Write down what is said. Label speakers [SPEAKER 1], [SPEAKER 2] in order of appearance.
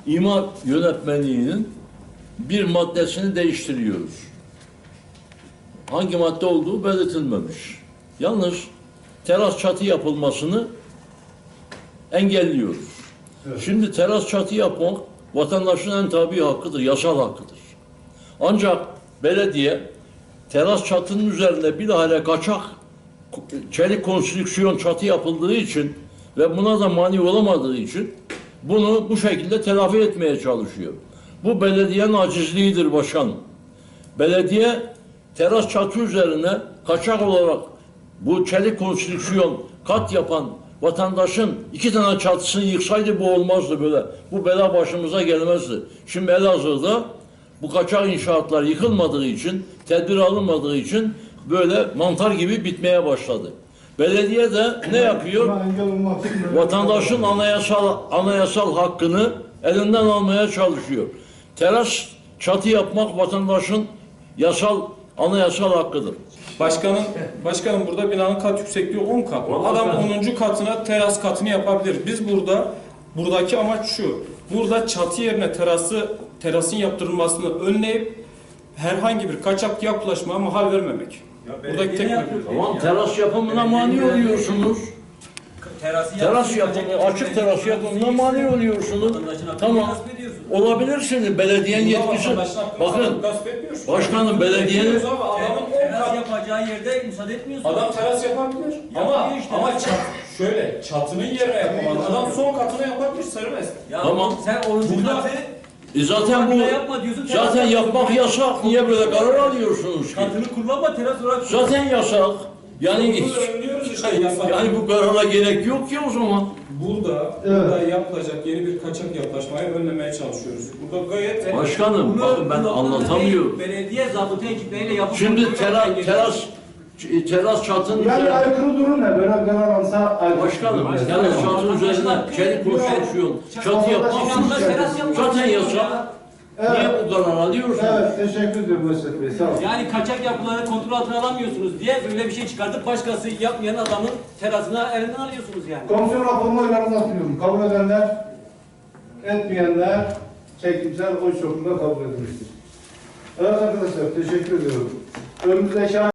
[SPEAKER 1] İmar yönetmeliğinin bir maddesini değiştiriyoruz. Hangi madde olduğu belirtilmemiş. Yalnız teras çatı yapılmasını engelliyoruz. Evet. Şimdi teras çatı yapmak vatandaşın en tabii hakkıdır, yasal hakkıdır. Ancak belediye teras çatının üzerinde bilahare kaçak çelik konstrüksiyon çatı yapıldığı için ve buna da mani olamadığı için bunu bu şekilde telafi etmeye çalışıyor. Bu belediyenin acizliğidir başkanım. Belediye teras çatı üzerine kaçak olarak bu çelik konstrüksiyon kat yapan vatandaşın 2 tane çatısını yıksaydı bu olmazdı böyle. Bu bela başımıza gelmezdi. Şimdi Elazığ'da bu kaçak inşaatlar yıkılmadığı için, tedbir alınmadığı için böyle mantar gibi bitmeye başladı. Belediye de ne yapıyor? Vatandaşın anayasal hakkını elinden almaya çalışıyor. Teras çatı yapmak vatandaşın anayasal hakkıdır.
[SPEAKER 2] Başkanım burada binanın kat yüksekliği 10 kat. Adam 10. katına teras katını yapabilir. Biz buradaki amaç şu. Burada çatı yerine terasın yaptırılmasını önleyip herhangi bir kaçak yapılaşmaya mahal vermemek. Buradaki tek
[SPEAKER 1] tamam, teras yapımına mani oluyorsunuz. Teras yapımı, açık teras yapımına mani oluyorsunuz. Tamam, olabilirsiniz. Belediyenin yetkisi. Bakın, başkanım belediyenin
[SPEAKER 3] teras yapacağı yerde müsaade etmiyorsunuz.
[SPEAKER 2] Adam teras yapabilir. Ama şöyle çatının yerine yapamaz. Adam son katına yapabilir, serbest.
[SPEAKER 1] Tamam.
[SPEAKER 3] Sen 10. katı
[SPEAKER 1] zaten bu zaten yapmak yasak. Niye böyle karar alıyorsunuz ki?
[SPEAKER 3] Katını kullanma, teras olarak.
[SPEAKER 1] Zaten yasak. Yani bu karara gerek yok ki o zaman.
[SPEAKER 2] Burada yapılacak yeni bir kaçak yapılaşmayı önlemeye çalışıyoruz. Burada gayet
[SPEAKER 1] başkanım bakın ben anlatamıyorum.
[SPEAKER 3] Belediye zabıta ekipleriyle yapıp
[SPEAKER 1] şimdi teras çatının
[SPEAKER 4] yani aykırı durum ne? Böyle karar alsa
[SPEAKER 1] başkanım teras çatının üzerine çelik konstrüksiyon çatı yapmak zaten yasak. Evet. Niye bu karar alıyorsunuz?
[SPEAKER 4] Evet, teşekkür ederim Mesut Bey, sağ olun.
[SPEAKER 3] Yani kaçak yapıları kontrol altına alamıyorsunuz diye böyle bir şey çıkartıp başkası yapmayan adamın terasına elinden alıyorsunuz yani.
[SPEAKER 4] Komisyon raporunu oylarına sunuyorum. Kabul edenler, etmeyenler çekimsel oy çokluğunda kabul edilmiştir. Evet arkadaşlar, teşekkür ediyorum. Önümüzdeki